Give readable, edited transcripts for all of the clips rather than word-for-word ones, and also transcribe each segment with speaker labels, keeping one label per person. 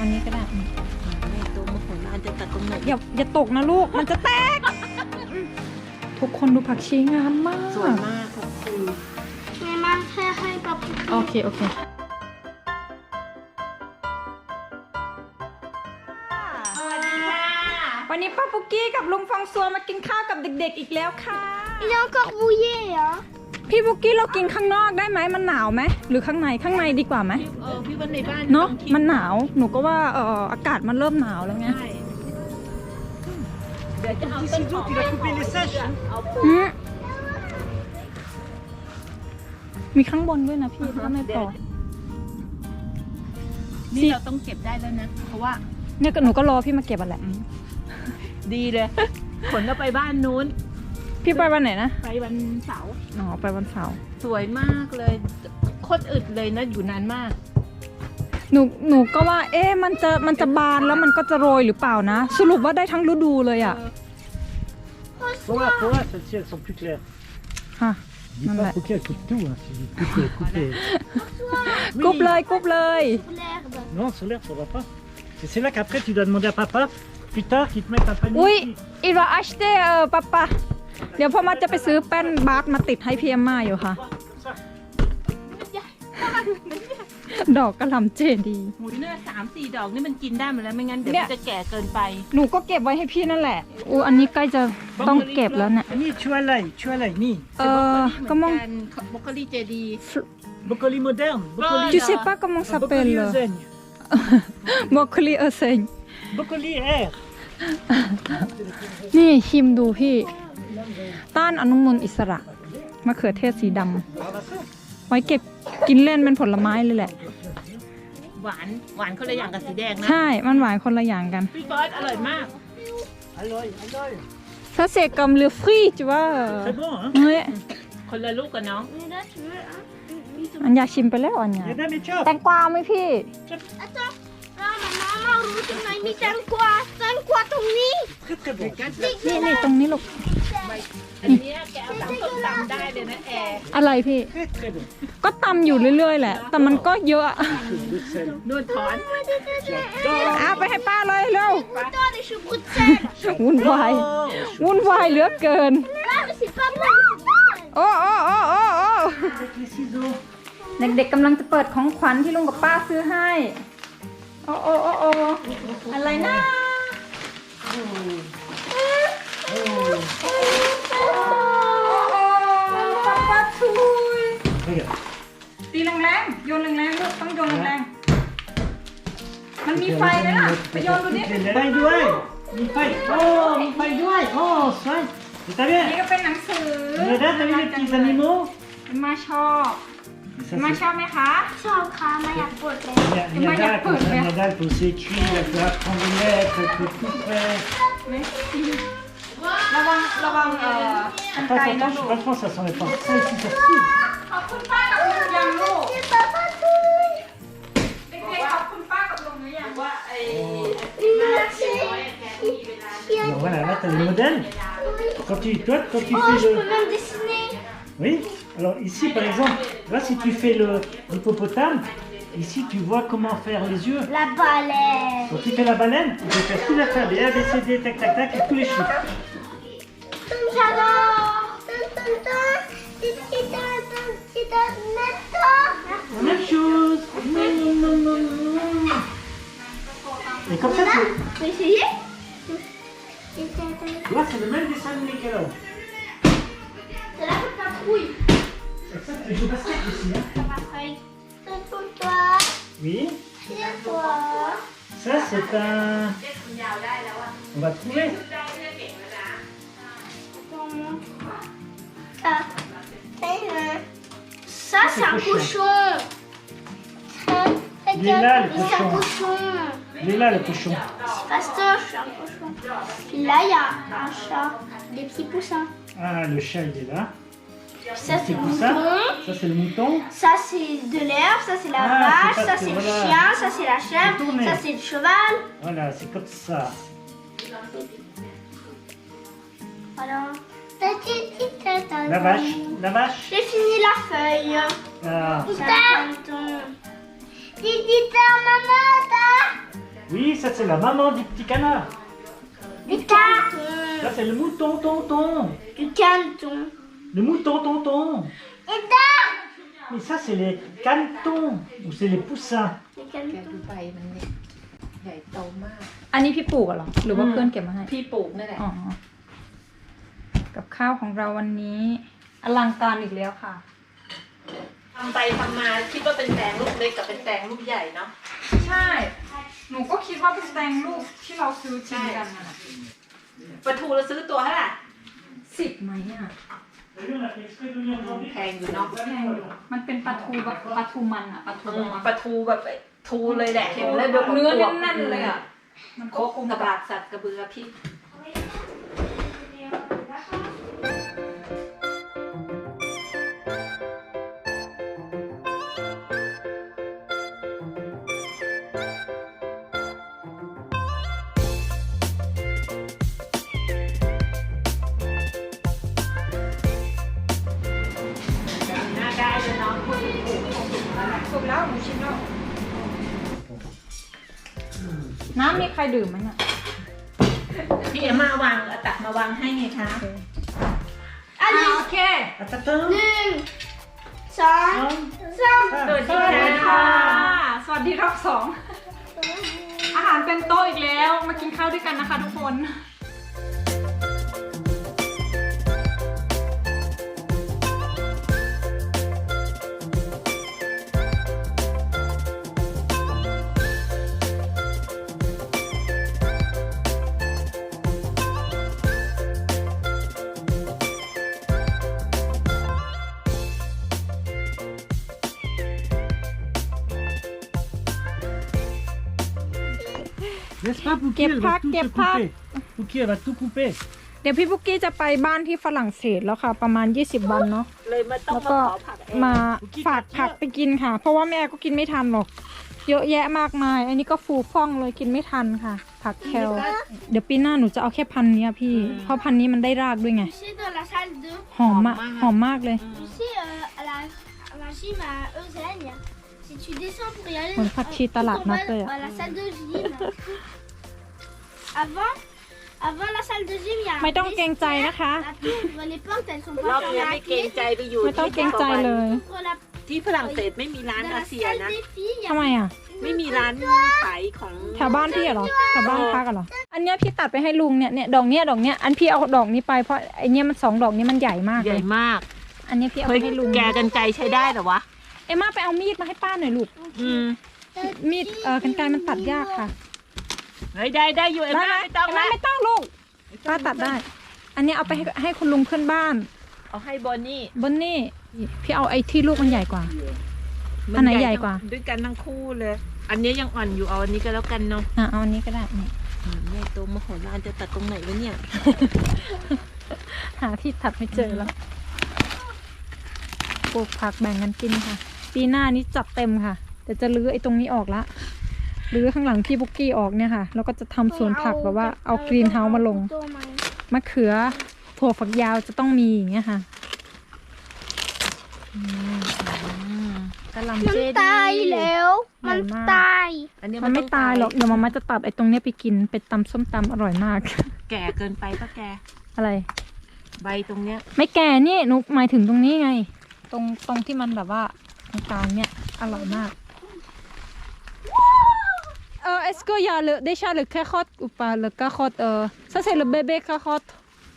Speaker 1: นนี้ก็ได้
Speaker 2: ไม่ตัวมะขามจะตัดตรงไหน
Speaker 1: อย่าตกนะลูกมันจะแตกทุกคนดูผักชีงามมาก
Speaker 2: สวยมากค่ะคือ
Speaker 3: แม่มาแค่ให้ป๊าปุ๊ก
Speaker 1: โอเควันนี้ป้าปุกกี้กับลุงฟองซัวมากินข้าวกับเด็กๆอีกแล้วค่ะ
Speaker 3: Il est encore mouillé hein
Speaker 1: พี่ปุกกี้เรากินข้างนอกได้ไหมมันหนาวไหมหรือข้างในดีกว่าไหม
Speaker 2: พี่ว่าในบ้าน
Speaker 1: เนาะมันหนาวหนูก็ว่าอากาศมันเริ่มหนาวแล้วไง
Speaker 2: เดี๋ยวจะเอาต้นหอม
Speaker 1: มีข้างบนด้วยนะพี่ถ้าไม่พอ
Speaker 2: นี่เราต้องเก็บได้แล้วนะเพราะว่า
Speaker 1: เนี่ยหนูก็รอพี่มาเก็บอ่ะแหละ
Speaker 2: ดีเลยขนเราไปบ้านนู้น
Speaker 1: พี่ไปวันไหนนะ
Speaker 2: ไปวันเสาร์
Speaker 1: อ๋อไปวันเสาร์
Speaker 2: สวยมากเลยโคตรอึดเลยนะอยู่นานมาก
Speaker 1: หนูก็ว่ามันจะบานแล้วมันก็จะโรยหรือเปล่านะสรุปว่าได้ทั้งฤดูเลยอ่ะ
Speaker 4: Voilà, celles-ci elles sont plus claires.
Speaker 1: ค่ะ
Speaker 4: Dis pas faut qu'elles coupent tout, hein, si couper.
Speaker 1: กุบเลย
Speaker 3: l'herbe
Speaker 4: Non, sur l'herbe ça va pas. C'est là qu'après tu dois demander à papa, plus tard, qu'il te mette un panier.
Speaker 1: อุ้ยอีวาอัชเตปะเดี๋ยวพ่อมาจะไปซื้อแป้นบาสมาติดให้พี่เอ็มม่าอยู่ค่ะ ดอกกระหล่ำเจดี
Speaker 2: หมูเนื้อ3-4 ดอกนี่มันกินได้หมดแล้วไม่งั้นเดี๋ยวมันจะแก่เกินไป
Speaker 1: หนูก็เก็บไว้ให้พี่นั่นแหละอันนี้ใกล้จะต้องเก็บแล้วเนี่ย
Speaker 4: นี่tu as l'ail, ni.
Speaker 1: ก็มอง
Speaker 2: บรอกโคลีเจดี
Speaker 4: Brocoli moderne, brocoli.
Speaker 1: Tu sais pas comment ça s'appelle broccoli enseigne
Speaker 4: Brocoli air.
Speaker 1: นี่ชิมดูพี่ต้านอนุมูลอิสระมะเขือเทศสีดำไว้เก็บกินเล่นเป็นผลไม้เลยแหละ
Speaker 2: หวานคนละอย่างกับสีแดงนะ
Speaker 1: ใช่มันหวานคนละอย่างกัน
Speaker 2: พี่บอสอร่อยมาก
Speaker 1: Ça c'est comme le fruit tu vois
Speaker 4: C'est bon hein
Speaker 1: เฮ้ย
Speaker 2: คนละลูกกับน้อง
Speaker 1: อันอยากชิมไปแล้วอันเนี่ยแตงกวาไหมพี่
Speaker 3: Attends là maman rouge on a mis quoi ton nid
Speaker 4: Très très bon.
Speaker 1: นี่ตรงนี้ลูก
Speaker 2: อันนี้แกเอาตำส้มตำได้เลยนะแอร์
Speaker 1: อะไรพี่
Speaker 4: Très très bon.
Speaker 1: ก็ตำอยู่เรื่อยๆแหละแต่มันก็เยอะ
Speaker 2: นวดถอน
Speaker 1: เอาไปให้ป้าเลยเร็ว
Speaker 3: Attends des choux Bruxelles
Speaker 1: วุ่นวายเหลือเกิน
Speaker 3: Là mais c'est pas moi
Speaker 1: โอ้เด็กๆกำลังจะเปิดของขวัญที่ลุงกับป้าซื้อให้โอ้อะไรนะป้าทุยตีแรงๆโยนแรงๆลูกต้องโยนแรงๆมันมีไฟไหมล่ะไปโยนดูดิ
Speaker 4: Paille d'ouai. Une paille. Oh, une paille d'ouai. Oh, ça. T'as
Speaker 1: นี่
Speaker 4: vu?
Speaker 1: ก็เป็นหนังสือ
Speaker 4: Regarde, t'as vu les petits animaux?
Speaker 1: มาชอบไหมคะ
Speaker 3: ชอบค่ะไม่อยากปวดเลย
Speaker 4: Il y a dalle pour s'écrire, elle peut apprendre les lettres, elle peut tout faire.
Speaker 1: ระวังกันไกลนะลูก
Speaker 4: Franchement, ça s'en est pas. Ça ici, ça suit.
Speaker 1: ขอบคุณป้ากับลุงยังลูก
Speaker 3: ป๊าป๊าทุย
Speaker 1: เด็กๆขอบคุณป้ากับลุงหรือยังว่าไอ้
Speaker 3: Merci
Speaker 4: Alors voilà, là, t'as les modèles. Quand tu
Speaker 3: Oh
Speaker 4: fais
Speaker 3: je peux
Speaker 4: le...
Speaker 3: même dessiner
Speaker 4: Oui. Alors ici, par exemple, là, si tu fais l'hippopotame, ici, tu vois comment faire les yeux.
Speaker 3: La baleine
Speaker 4: Quand tu fais la baleine, tu peux faire tout l'alphabet, A, B, C, D, tac, tac, tac, et tous les chiffres.
Speaker 3: J'adore
Speaker 4: La même chose. Et comme ça,
Speaker 3: Tu veux essayer
Speaker 4: là, c'est le même dessin animé qu'elle a.
Speaker 3: C'est la patrouille
Speaker 4: Et ça, tu joues basket aussi, hein.
Speaker 3: La patrouille C'est pour toi
Speaker 4: Oui.
Speaker 3: C'est toi
Speaker 4: Ça, c'est un... On va trouver.
Speaker 3: Ça, c'est un cochon.
Speaker 4: Il est là, le
Speaker 3: C'est un
Speaker 4: cochon.
Speaker 3: cochon.
Speaker 4: Il est là, le cochon.
Speaker 3: C'est pas ça, c'est un cochon. Là, il y a un chat. Des petits poussins.
Speaker 4: Ah, le chat, il est là.
Speaker 3: Ça, c'est le
Speaker 4: ça.
Speaker 3: mouton.
Speaker 4: Ça, c'est le mouton.
Speaker 3: Ça, c'est de l'herbe. Ça, c'est la
Speaker 4: Ah,
Speaker 3: vache.
Speaker 4: c'est
Speaker 3: Ça,
Speaker 4: parce
Speaker 3: c'est
Speaker 4: que
Speaker 3: le
Speaker 4: voilà.
Speaker 3: chien. Ça, c'est la chèvre.
Speaker 4: Tournez.
Speaker 3: Ça, c'est le cheval.
Speaker 4: Voilà, c'est comme ça.
Speaker 3: Voilà.
Speaker 4: La vache. La vache.
Speaker 3: J'ai fini la feuille.
Speaker 4: Ah.
Speaker 3: Putain. Maman,
Speaker 4: Oui, ça c'est la maman du petit canard.
Speaker 3: Du canton.
Speaker 4: Ça c'est le mouton, tonton.
Speaker 3: Du canton.
Speaker 4: Le mouton, tonton.
Speaker 3: Et là.
Speaker 4: Mais ça c'est les canetons ou c'est les poussins.
Speaker 3: Du
Speaker 2: แก
Speaker 3: canton.
Speaker 2: ดูใบมันเนี่ยใหญ่โตมาก
Speaker 1: อันนี้พี่ปลูกเหรอหรือว่าเพื่อนเก็บมาให้
Speaker 2: พี่ปลูกนั่นแหละ
Speaker 1: อ๋อกับข้าวของเราวันนี้อลังการอีกแล้วค่ะ
Speaker 2: ทำไปทำมาคิดว่าเป็นแตงลูกเล็กกับเป็นแตงลูกใหญ่เนาะ
Speaker 1: ใช่ หนูก็คิดว่าเป็นแตงลูกที่เราซื้อกินกันน่ะ
Speaker 2: ปลาทูเราซื้อตัวเท่าไหร่
Speaker 1: 10ไหมอ่ะ
Speaker 2: แพงอยู่เนาะ
Speaker 1: แพงอยู่มันเป็นปลาทูแบบปลาทูมันอ่ะปลาทู
Speaker 2: ปลาทูแบบทูเลยแหละเห็นแล้วแบบ
Speaker 1: เนื้อแน่นๆเลยอ่ะ มัน
Speaker 2: โค
Speaker 1: ก็
Speaker 2: ก
Speaker 1: คง
Speaker 2: กระบากสัตว์กระเบือพริก น่าได้เลยเนาะคุณปลูกคงถูกแล้วแหละ
Speaker 1: สุกแล้วหนูชิมแล้ว น้ำมีใครดื่มไหมเนี่ย
Speaker 2: พี่เอ็มมาวางเอาตักมาวางให้ไงคะ
Speaker 3: Allez.
Speaker 1: โอเค
Speaker 4: Attends.
Speaker 3: 1, 2, 3.
Speaker 2: สวัส
Speaker 1: ส
Speaker 2: ดี
Speaker 1: วัสดี
Speaker 2: ค่ะ
Speaker 1: ค่ะ สวัสดีรอบสอง อาหารเป็นโต๊ะอีกแล้ว มากินข้าวด้วยกันนะคะทุกคน
Speaker 4: N'est-ce pas, Pouki?
Speaker 1: Qu'est
Speaker 4: Elle va
Speaker 1: pas,
Speaker 4: tout
Speaker 1: qu'est
Speaker 4: te
Speaker 1: pas.
Speaker 4: couper. Pouki, elle va tout couper.
Speaker 1: เดี๋ยวพี่บุกกี้จะไปบ้านที่ฝรั่งเศสแล้วค่ะ ประมาณ 20 วันเนาะ
Speaker 2: เลยมาต้อง
Speaker 1: แล้ว
Speaker 2: มา
Speaker 1: ก็
Speaker 2: ขอผักเอง
Speaker 1: มาฝากผักไปกินค่ะ เพราะว่าแม่ก็กินไม่ทันหรอก เยอะแยะมากมาย อันนี้ก็ฟูฟ่องเลยกินไม่ทันค่ะ ผักแคลเดี๋ยวปีหน้าหนูจะเอาแค่พันธุ์เนี้ยพี่ เพราะพันธุ์นี้มันได้รากด้วยไง
Speaker 3: Tu sais, dans la salle 2,
Speaker 1: หอมมากหอมมากเลย
Speaker 3: tu sais, à la gym à Eusagne, si tu descends pour y aller,
Speaker 1: เหมือนผักชีตลาดนัดเลยอะ
Speaker 3: à la salle de gym, avant la salle de gym, il y a
Speaker 1: ไม่ต้องเกรงใจนะคะ
Speaker 3: la tour, les portes, elles sont
Speaker 2: รอบ
Speaker 3: pas
Speaker 2: เนี้ย
Speaker 3: fermées
Speaker 2: ไม่
Speaker 3: à
Speaker 2: เกรง
Speaker 3: clé.
Speaker 2: ใจไปอยู่
Speaker 1: ไม่ต้องเกรงใจเลย
Speaker 3: Ouvre la
Speaker 2: ที่ฝรั่งเศสไม่มีร้าน
Speaker 3: dans
Speaker 2: อา
Speaker 3: la
Speaker 2: เซีย
Speaker 3: salle
Speaker 2: นะ
Speaker 3: des filles, il y
Speaker 1: ทำ
Speaker 3: a
Speaker 1: ไมอ่ะ
Speaker 2: ไม่มีร้านขายของ
Speaker 1: แถวบ้านพี่เหรอแถวบ้านพักเหรอ อันเนี้ยพี่ตัดไปให้ลุงเนี่ยดอกเนี้ยอันพี่เอาดอกนี้ไปเพราะไอเนี้ยมัน2 ดอกนี้มันใหญ่มาก
Speaker 2: ให
Speaker 1: เล
Speaker 2: ญ่
Speaker 1: ย
Speaker 2: มาก
Speaker 1: อันเนี้ยพี่เอา
Speaker 2: เฮ้
Speaker 1: ไป
Speaker 2: ย
Speaker 1: ให้ลุง
Speaker 2: แกกันไกรใช้ได้เหรอวะ
Speaker 1: เอ็มม่าไปเอามีดมาให้ป้าหน่อยลูก
Speaker 2: อืม
Speaker 1: มีดกรรไกรมันตัดยากค่ะ
Speaker 2: เฮ้ยได้อยู่เอ็มม่าไม่ต้อง
Speaker 1: เอ็มม่า
Speaker 2: ละ
Speaker 1: ไม่ต้องลูกป้าตัดได้ อันเนี้ยเอาไปให้คุณลุงเพื่อนบ้าน
Speaker 2: เอาให้บอนนี่
Speaker 1: บนนี่พี่เอาไอ้ที่ลูกมันใหญ่กว่า อันไหนใหญ่กว่า
Speaker 2: ด้วยกันทั้งคู่เลย อันนี้ยังอ่อนอยู่เอาอันนี้ก็แล้วกันเนาะ
Speaker 1: เอาอันนี้ก็ได้นี่
Speaker 2: ใหญ่โตมโหฬารจะตัดตรงไหนวะเนี่ย
Speaker 1: หาที่ตัดไม่เจอแล้วปลูกผักแบ่งกันกินค่ะ ปีหน้านี้จัดเต็มค่ะแต่จะรื้อไอ้ตรงนี้ออกละรื้อข้างหลังพี่บุกกี้ออกเนี่ยค่ะแล้วก็จะทำสวนผักแบบว่าเอากรีนเฮาส์มาลงมะเขือถั่วฝักยาวจะต้องมีอย่างเงี้ยค่ะกำลังเจ
Speaker 3: มัน
Speaker 1: ดี
Speaker 3: ตายแล้วมันตาย
Speaker 2: อันนี้
Speaker 1: มันไม่ตายหรอกเดี๋ยวมาม่าจะตัดไอ้ตรงเนี้ยไปกินไปตำส้มตำอร่อยมาก
Speaker 2: แก่เกินไปปะแก
Speaker 1: อะไร
Speaker 2: ใบตรงเนี้ย
Speaker 1: ไม่แก่นี่หนูหมายถึงตรงนี้ไง ตรงที่มันแบบว่าตรงกลางเนี่ยอร่อยมากest-ce qu'il y a déjà le carotte ou pas le carotte ça c'est le bébé carotte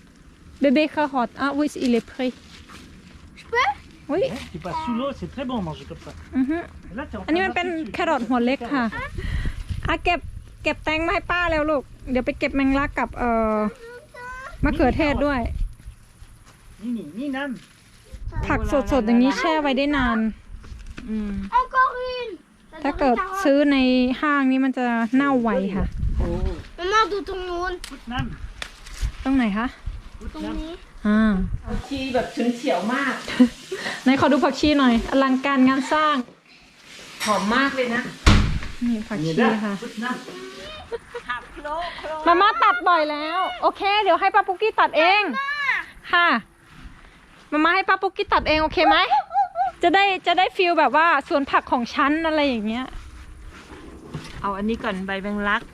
Speaker 1: ah oui il est prêt
Speaker 3: Je peux
Speaker 1: oui
Speaker 4: Tu passes sous l'eau, c'est très bon manger comme ça.
Speaker 1: อือฮึ
Speaker 4: Et là, t'es en
Speaker 1: อันนี้มัน
Speaker 4: train
Speaker 1: เป็น
Speaker 4: de
Speaker 1: แครอทหัวเล็กค่ะอ่ะเก็บแตงมาให้ป้าแล้วลูกเดี๋ยวไปเก็บแมงลักกับมะเขือเทศด้วย
Speaker 4: Nini, Ninam.
Speaker 1: ผักสดๆอย่างนี้แช่ไว้ได้นาน
Speaker 3: Encore une
Speaker 1: ถ้าเกิดซื้อในห้างนี้มันจะเน่าไวค่ะ
Speaker 3: Maman, d'où ton nom
Speaker 4: Putnam.
Speaker 1: ตรงไหนคะ
Speaker 3: Ton nez
Speaker 2: ชีแบบฉุนเฉียวมาก
Speaker 1: ไหนขอดูผักชีหน่อย อลังการงานสร้าง
Speaker 2: หอมมากเลยนะ
Speaker 1: นี่ผักชี
Speaker 4: Nida,
Speaker 1: ค่ะ
Speaker 4: Putnam.
Speaker 2: หักโครก
Speaker 1: มาม่าตัดบ่อยแล้ว โอเค เดี๋ยวให้ป้าปุ๊กกี้ตัดเอง ค่ะ มาม่าให้ป้าปุ๊กกี้ตัดเองโอเคไหม จะได้ฟีลแบบว่าสวนผักของฉันอะไรอย่างเงี้ย
Speaker 2: เอาอันนี้ก่อนใบแมงลัก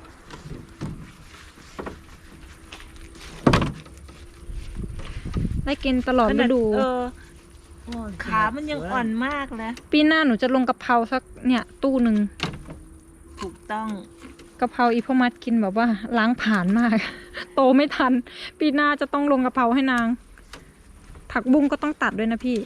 Speaker 1: ได้กินตลอดฤดู
Speaker 2: ขามันยังอ่อนมากเลย
Speaker 1: ปีหน้าหนูจะลงกะเพราสักเนี่ยตู้หนึ่ง
Speaker 2: ถูกต้อง
Speaker 1: กะเพราอีพ่อมัดกินแบบว่าล้างผ่านมาก โตไม่ทัน ปีหน้าจะต้องลงกะเพราให้นาง ผักบุ้งก็ต้องตัดด้วยนะพี่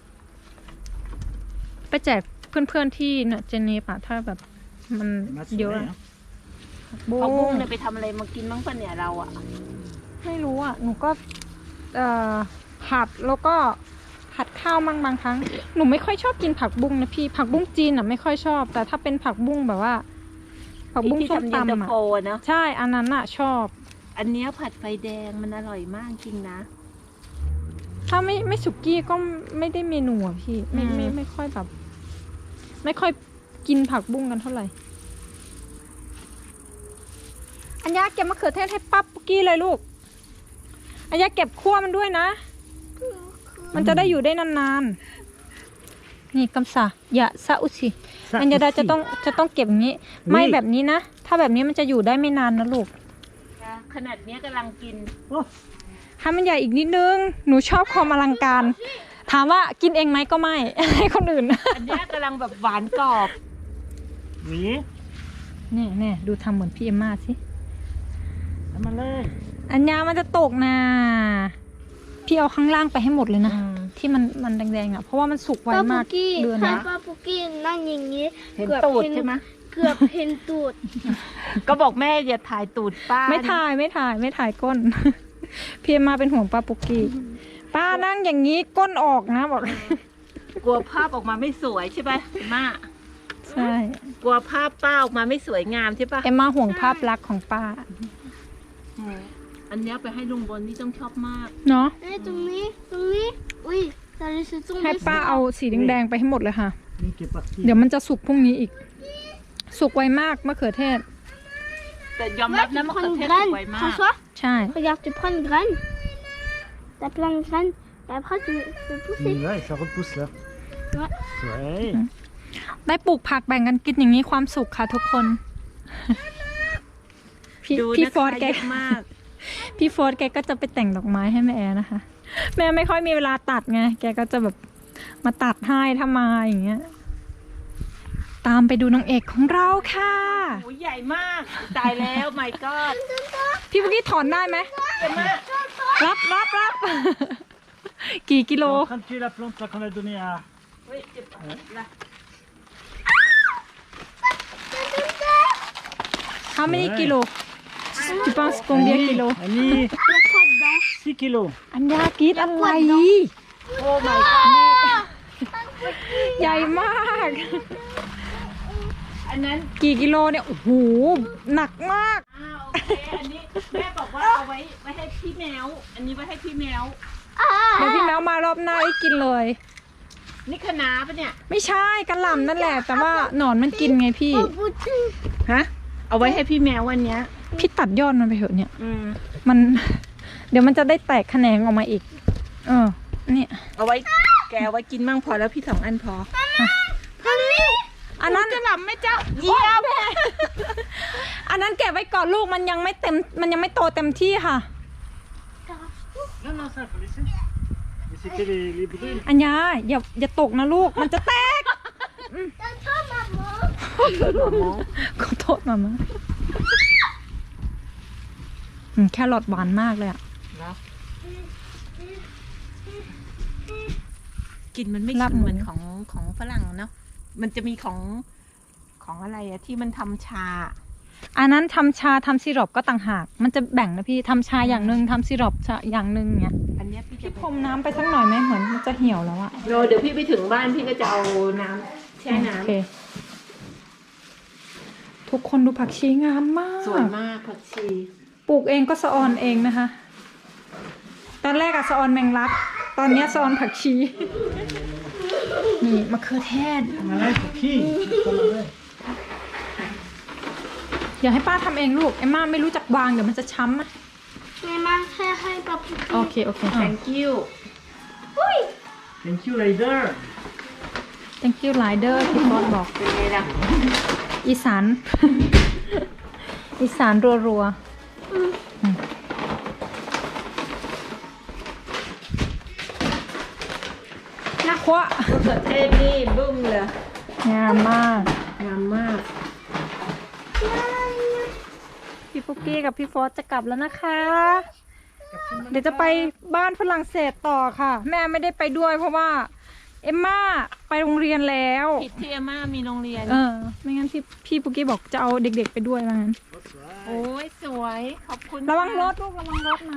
Speaker 1: ไปแจกเพื่อนๆที่เนี่ยเจเนปะถ้าแบบมัน
Speaker 4: Mats
Speaker 1: เยอะ
Speaker 4: Soleil,
Speaker 1: อะ
Speaker 4: hein.
Speaker 2: เอาบุ้งเนี่ยไปทำอะไรมากินบ้างปะเนี่ยเราอ่ะ
Speaker 1: ไม่รู้อ่ะ หนูก็ผัดแล้วก็ผัดข้าวมั่งบางครั้ง หนูไม่ค่อยชอบกินผักบุ้งนะพี่ ผักบุ้งจีนอ่ะไม่ค่อยชอบ แต่ถ้าเป็นผักบุ้งแบบว่า ผักบุ้ง
Speaker 2: ที่
Speaker 1: ส้ม
Speaker 2: ทำเย็นตา
Speaker 1: ตำอ่ะ
Speaker 2: โฟเนาะ
Speaker 1: ใช่ อันนั้นอ่ะชอบ
Speaker 2: อันเนี้ยผัดไฟแดงมันอร่อยมากจริงนะ
Speaker 1: ถ้าไม่สุกี้ก็ไม่ได้เมนูอ่ะพี่ ไม่ค่อยแบบ ไม่ค่อยกินผักบุ้งกันเท่าไหร่ อัญญาเก็บมะเขือเทศให้ปั๊บปุกกี้เลยลูก อัญญาเก็บขั้วมันด้วยนะ มันจะได้อยู่ได้นานๆ นี่กำสาอย่าซาอุสิ
Speaker 4: Ça
Speaker 1: อัญญาดา
Speaker 4: aussi.
Speaker 1: จะต้องเก็บอย่างนี้ ไม่แบบนี้นะ ถ้าแบบนี้มันจะอยู่ได้ไม่นานนะลูก
Speaker 2: ขนาดเนี้ยกำลังกิน
Speaker 4: Oh,
Speaker 1: ให้มันใหญ่อีกนิดนึง หนูชอบความอลังการ ถามว่ากินเองไหมก็ไม่ ให้คนอื่น
Speaker 2: อันเนี้ยกำลังแบบหวานกรอบ
Speaker 4: oui.
Speaker 1: เนี่ยดูทำเหมือนพี่เอมมาสิ
Speaker 4: Amalek.
Speaker 1: อัญญามันจะตกนะ พี่เอาข้างล่างไปให้หมดเลยนะ ที่มันแดงๆอ่ะ เพราะว่ามันสุกไว
Speaker 3: ป้าม
Speaker 1: าก
Speaker 3: ปุกกี้
Speaker 1: เดือน
Speaker 3: ให้
Speaker 1: นะ
Speaker 3: ป้าปุกกี้นั่งอย่างนี้
Speaker 2: เห็นตูดใช่ไหม
Speaker 3: เกือบเห็นตูด
Speaker 2: ก็บอกแม่อย่าถ่ายตูดป้า
Speaker 1: ไม่ถ่ายก้น พี่เอมมาเป็นห่วงป้าปุกกี้ ป้านั่งอย่างนี้ก้นออกนะบอก
Speaker 2: กลัวภาพออกมาไม่สวยใช่ปะม่า
Speaker 1: ใช่
Speaker 2: กลัวภาพป้าออกมาไม่สวยงามใช่ปะ
Speaker 1: เอมมาห่วงภาพลักษณ์ของป้า
Speaker 2: อันเนี้ยไปให้ลุงบนนี่ต้องชอบมาก
Speaker 1: เนาะ
Speaker 3: เอ้ยตรงนี้อุ้ยça laisse tomber
Speaker 1: ให้ป้าเอาสีแดงๆไปให้หมดเลยค่ะ
Speaker 4: Oui, qui est parti.
Speaker 1: เดี๋ยวมันจะสุกพรุ่งนี้อีก สุกไวมากมะเขือเทศ
Speaker 2: แต่ยอมรับนะมะเขือเทศสวยมาก
Speaker 3: François
Speaker 1: ใช่
Speaker 3: regarde tu prends une graine t'as plein de graines et après tu fais pousser
Speaker 4: Oui, ouais, ça repousse là.
Speaker 3: Ouais.
Speaker 4: Ouais.
Speaker 1: ได้ปลูกผักแบ่งกันกินอย่างนี้ความสุขค่ะทุกคน พี่
Speaker 2: ดู
Speaker 1: พี่
Speaker 2: นะ
Speaker 1: ฟอร์ด
Speaker 2: คะ
Speaker 1: แก
Speaker 2: เยอะมาก
Speaker 1: พี่โฟร์แกก็จะไปแต่งดอกไม้ให้แม่แอร์นะคะ แม่ไม่ค่อยมีเวลาตัดไง แกก็จะแบบมาตัดให้ถ้ามาอย่างเงี้ย ตามไปดูนางเอกของเราค่ะ
Speaker 2: โอ้ยใหญ่มาก ตายแล้ว my god
Speaker 1: พี่เมื่อกี้ถอนได้ไหม รับ กี่กิโล
Speaker 4: On est en train de tuer la plante là qu'on a donnée à.
Speaker 2: เฮ้ยเจ็บละ
Speaker 1: How many kilo tu penses combien kilo
Speaker 4: Annie,
Speaker 3: il y a quoi dedans
Speaker 4: 6 kilos.
Speaker 1: อัญญากรีดอะไร
Speaker 2: โอ้ my god
Speaker 1: ใหญ่มาก
Speaker 2: อันนั้น
Speaker 1: กี่กิโลเนี่ย โอ้โห หนักมาก
Speaker 2: โอเค อันนี้แม่บอกว่าเอาไว้ให้พี่แมว อันนี้ไว้ให้พี่แมว
Speaker 1: เดี๋ยวพี่แมวมารอบหน้าให้กินเลย
Speaker 2: นี่คะน้าปะเนี่ย
Speaker 1: ไม่ใช่กระหล่ำนั่นแหละ แต่ว่าหนอนมันกินไงพี่
Speaker 3: oh goûter
Speaker 2: ฮะ เอาไว้ให้พี่แมววันเนี้ย
Speaker 1: พี่ตัดยอดมันไปเถอะเนี่ย
Speaker 2: อืม
Speaker 1: มัน เดี๋ยวมันจะได้แตกแขนงออกมาอีก เนี่ย
Speaker 2: เอาไว้แกเอาไว้กินมั่งพอแล้วพี่2 อันพอ
Speaker 1: อันนั้น
Speaker 2: จะหลับไหมเจ้าเยี่ยม
Speaker 1: อันนั้นเก็บไว้ก่อนลูกมันยังไม่เต็ม มันยังไม่โตเต็มที่ค่ะ
Speaker 4: Non, non, ça, il faut laisser. Mais c'était les brunes.
Speaker 1: อัญญาอย่าตกนะลูก มันจะแตก
Speaker 3: T'entends maman
Speaker 1: ขอโทษมามาแครอทหวานมากเลยอะ
Speaker 2: กินมันไม่
Speaker 1: ลาบ
Speaker 2: ฉุน
Speaker 1: หมู
Speaker 2: เหมือนของฝรั่งเนาะ มันจะมีของอะไรอะที่มันทำชา
Speaker 1: อันนั้นทำชาทำซีรอปก็ต่างหาก มันจะแบ่งนะพี่ทำชาอย่างหนึ่งทำซีรอปอย่างหนึ่งเงี้ย
Speaker 2: อันเนี้ยพี่จะ
Speaker 1: พี่พรมน้ำไปสักหน่อยไหมเหมือนมันจะเหี่ยวแล้วอะ
Speaker 2: เดี๋ยวพี่ไปถึงบ้านพี่ก็จะเอาน้ำแช่น้
Speaker 1: โอเคทุกคนดูผักชีงามมาก
Speaker 2: ำสวยมากผักชี
Speaker 1: ปลูกเองก็สะออนเองนะคะ ตอนแรกอะสะออนแมงลัก ตอนเนี้ยสะออนผักชี นี่มะเขือเทศ
Speaker 4: Amalek, pour qui Amalek.
Speaker 1: อย่าให้ป้าทำเองลูก เอ็มม่าไม่รู้จักวางเดี๋ยวมันจะช้ำอะ
Speaker 3: mais ma frère et pas pour
Speaker 1: โอเค
Speaker 2: thank you
Speaker 4: Thank you, Leider.
Speaker 1: thank you rider พี่บอสบอก
Speaker 2: เป็นไงล่ะ
Speaker 1: อีสาน อีสานรัวๆนะควะ
Speaker 2: มะเขือเทศนี่บึ้มเลย
Speaker 1: งามมาก
Speaker 2: งามมาก
Speaker 1: พี่ปุ๊กกี้กับพี่ฟอสจะกลับแล้วนะคะ เดี๋ยวจะไปบ้านฝรั่งเศสต่อค่ะ แม่ไม่ได้ไปด้วยเพราะว่า เอมม่าไปโรงเรียนแล้ว
Speaker 2: ผิดที่อาม่ามีโรงเรียน
Speaker 1: ไม่งั้นพี่ปุ๊กกี้บอกจะเอาเด็กๆไปด้วยว่างั้น
Speaker 2: โอ้ยสวย ขอบคุณ
Speaker 1: ระวังรถลูกระวังรถนะ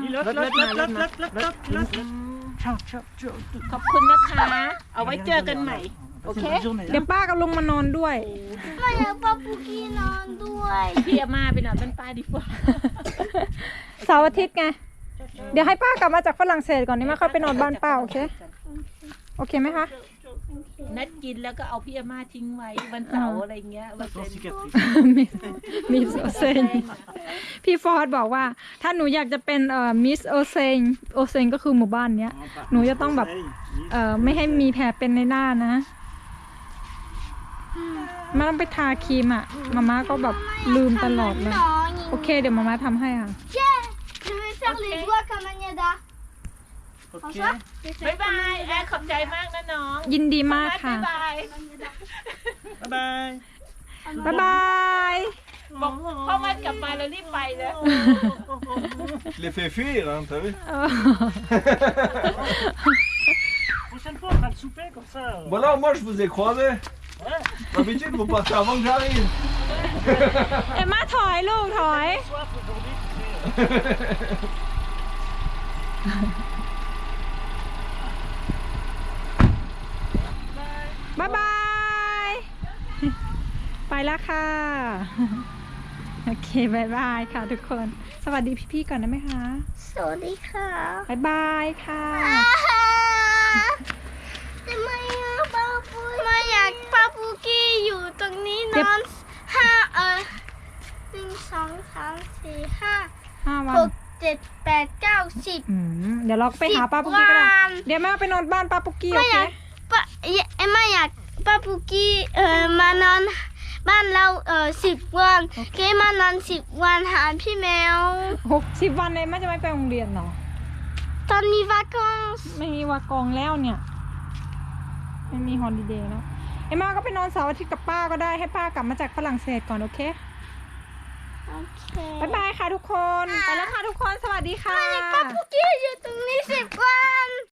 Speaker 2: ขอบคุณนะคะ เอาไว้เจอกันใหม่ โอเค
Speaker 1: เดี๋ยวป้ากับลุงมานอนด้วย
Speaker 3: ไม่อยากป้าปุกี้นอนด้วย
Speaker 2: พี่อาม่าไปนอนบ้านป้าดีกว่า
Speaker 1: เสาร์อาทิตย์ไง เดี๋ยวให้ป้ากลับมาจากฝรั่งเศสก่อนนี่มาค่อยไปนอนบ้านป้าโอเค โอเคไหมคะ
Speaker 2: นัดกินแล้วก็เอาพี่อาม่าทิ้งไว้วันเสาร์อะไรเงี้ยวันเสาร์
Speaker 1: มิสโอเซนพี่ฟอร์ดบอกว่า ถ้าหนูอยากจะเป็นมิสโอเซนโอเซนก็คือหมู่บ้านเนี้ย หนูจะต้องแบบไม่ให้มีแผลเป็นในหน้านะไม่ต้องไปทาครีมอ่ะมาม่าก็แบบลืมตลอดเลย โอเคเดี๋ยวมาม่าทำให้ค่ะ
Speaker 3: Je vais faire les doigts comme Agnada.
Speaker 4: Ok.
Speaker 2: บ๊ายบายแอร์ขอบใจมากนะน้อง
Speaker 1: ยินดีมากค่ะ
Speaker 2: บ๊ายบาย
Speaker 4: Bye bye.
Speaker 1: บ๊ายบาย
Speaker 2: บอกพ่อมันกลับมาแล้วรีบไปเลย
Speaker 5: Je l'ai fait fuir, hein, t'as vu?
Speaker 4: Prochaine fois, on fera le souper comme ça.
Speaker 5: Voilà, moi je vous ai croisé.
Speaker 4: Ouais.
Speaker 5: D'habitude, vous partez avant que j'arrive.
Speaker 1: เอ็มมาถอยลูกถอย
Speaker 4: Soif aujourd'hui, tu sais.
Speaker 1: บ๊ายบาย ไปแล้วค่ะ โอเคบายบายค่ะทุกคน สวัสดีพี่ๆก่อนได้ไหมคะ
Speaker 3: สวัสดีค่ะ
Speaker 1: บายบายค่ะ
Speaker 3: ทำไมอะป้าปุกไม่อยากป้าปุกี้อยู่ตรงนี้นอน1 2 3 4 5
Speaker 1: 5 วัน
Speaker 3: 6 7 8 9 10
Speaker 1: เดี๋ยวเราไปหาป้าปุกกี้ก็ได้
Speaker 3: 10 วัน
Speaker 1: เดี๋ยวแม่ไปนอนบ้านป้าปุกกี้โอ
Speaker 3: ไม่อ
Speaker 1: เค
Speaker 3: ยากไม่อยากป้าปุกี้มานอนบ้านเรา10 วันเกมานอน10 วันหาพี่แมว
Speaker 1: 60 วันเลยแม่จะไม่ไปโรงเรียนเหรอ
Speaker 3: ตอนนี้วาคอนส์
Speaker 1: ไม่มีวากองแล้วเนี่ย ไม่มีฮอลิเดย์แล้ว เอ็มมาก็ไปนอนเสาร์อาทิตย์กับป้าก็ได้ให้ป้ากลับมาจากฝรั่งเศสก่อนโอเค
Speaker 3: โอเค
Speaker 1: บ๊ายบายค่ะทุกคน ไปแล้วค่ะทุกคน สวัสดีค่ะ
Speaker 3: ป้าปุกี้อยู่ตรงนี้10 วัน